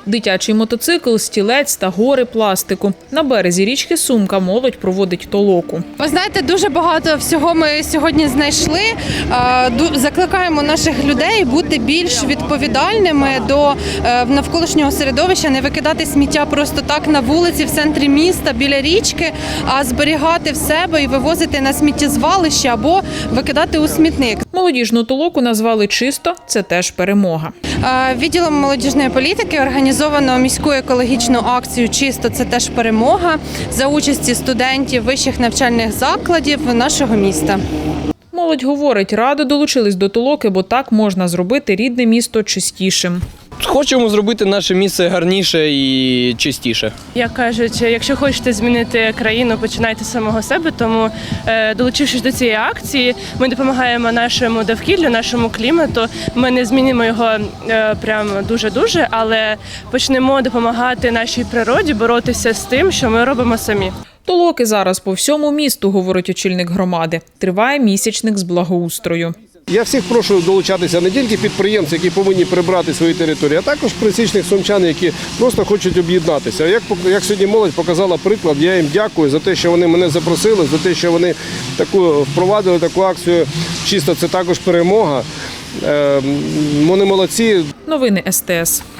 Дитячий мотоцикл, стілець та гори пластику. На березі річки Сумка молодь проводить толоку. Ви знаєте, дуже багато всього ми сьогодні знайшли. Закликаємо наших людей бути більш відповідальними до навколишнього середовища, не викидати сміття просто так на вулиці, в центрі міста, біля річки, а зберігати в себе і вивозити на сміттєзвалище або викидати у смітник. Молодіжну толоку назвали «Чисто» – це теж перемога. Відділом молодіжної політики організовано міську екологічну акцію «Чисто» – це теж перемога за участі студентів вищих навчальних закладів нашого міста. Молодь говорить, радо долучились до толоки, бо так можна зробити рідне місто чистішим. Хочемо зробити наше місце гарніше і чистіше. Як кажуть, якщо хочете змінити країну, починайте з самого себе. Тому, долучившись до цієї акції, ми допомагаємо нашому довкіллю, нашому клімату. Ми не змінимо його прям дуже-дуже, але почнемо допомагати нашій природі боротися з тим, що ми робимо самі. Толоки зараз по всьому місту, говорить очільник громади. Триває місячник з благоустрою. Я всіх прошу долучатися не тільки підприємці, які повинні прибрати свої території, а також пересічних сумчан, які просто хочуть об'єднатися. Як сьогодні молодь показала приклад, я їм дякую за те, що вони мене запросили, за те, що вони впровадили таку акцію «Чисто» – це також перемога. Вони молодці. Новини СТС.